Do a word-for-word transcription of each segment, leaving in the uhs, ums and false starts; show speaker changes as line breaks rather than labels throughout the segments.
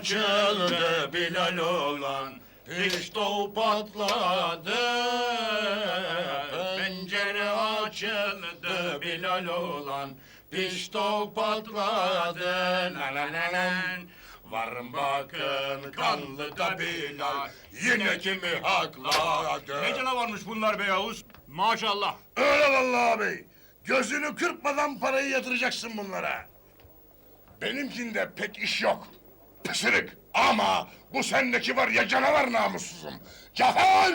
açıldı Bilal olan, pişto patladı. Pencere açıldı Bilal olan, pişto patladı. La la la la. Varın bakın kanlı da Bilal, yine kimi hakladı.
Ne canavarmış bunlar be Yavuz? Maşallah.
Öyle vallahi abi. Gözünü kırpmadan parayı yatıracaksın bunlara. Benimkinde pek iş yok. Pısırık. Ama bu sendeki var ya canavar namussuzum. Cafer!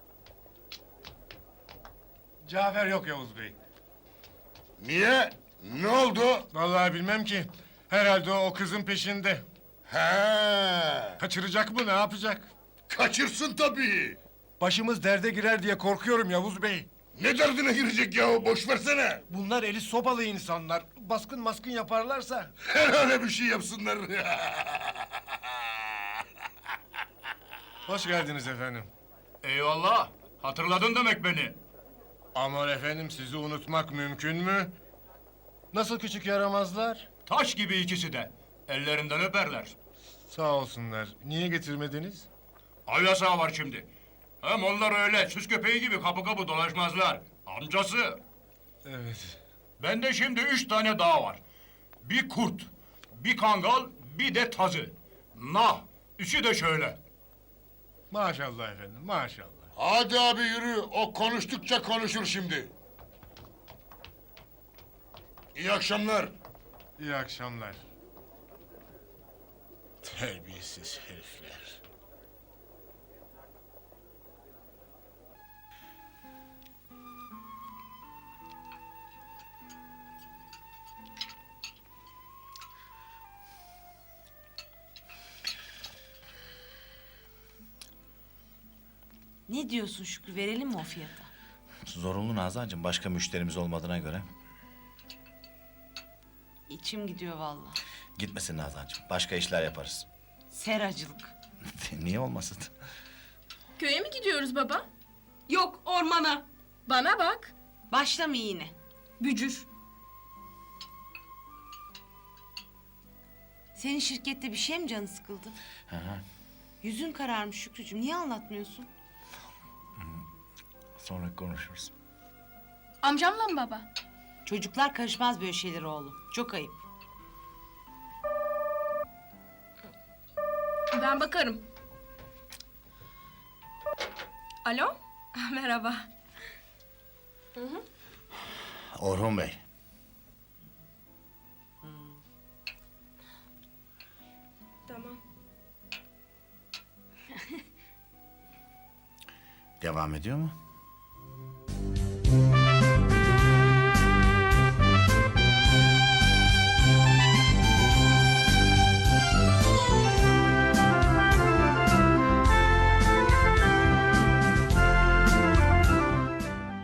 Cafer yok Yavuz Bey.
Niye? Ne oldu?
Vallahi bilmem ki. Herhalde o kızın peşinde.
He,
Kaçıracak mı, ne yapacak?
kaçırsın tabii.
Başımız derde girer diye korkuyorum Yavuz Bey.
Ne derdine girecek yahu, boş versene.
Bunlar eli sopalı insanlar. Baskın maskın yaparlarsa.
Her öyle bir şey yapsınlar.
Hoş geldiniz efendim.
Eyvallah. Hatırladın demek beni.
Aman efendim, sizi unutmak mümkün mü? Nasıl küçük yaramazlar?
Taş gibi ikisi de. Ellerinden öperler.
Sağ olsunlar. Niye getirmediniz?
Av yasağı var şimdi. Hem onlar öyle süs köpeği gibi kapı kapı dolaşmazlar. Amcası.
Evet.
Bende şimdi üç tane daha var. Bir kurt, bir kangal, bir de tazı. Nah, üçü de şöyle.
Maşallah efendim, maşallah.
Hadi abi yürü, o konuştukça konuşur şimdi. İyi akşamlar.
İyi akşamlar. Terbiyesiz herifler.
Ne diyorsun Şükrü, verelim mi o fiyata?
Zorunlu Nazancığım, başka müşterimiz olmadığına göre.
İçim gidiyor vallahi.
Gitmesin Nazancığım, başka işler yaparız.
Seracılık.
Niye olmasın?
Köye mi gidiyoruz baba? Yok, ormana. Bana bak.
Başlama yine.
Bücür.
Senin şirkette bir şey mi canı sıkıldı?
Hı hı.
Yüzün kararmış Şükrücüğüm, niye anlatmıyorsun?
Sonra konuşuruz.
Amcamla mı baba?
Çocuklar karışmaz böyle şeylere oğlum. Çok ayıp.
Ben bakarım. Alo? Merhaba.
Orhun Bey.
Tamam.
Devam ediyor mu?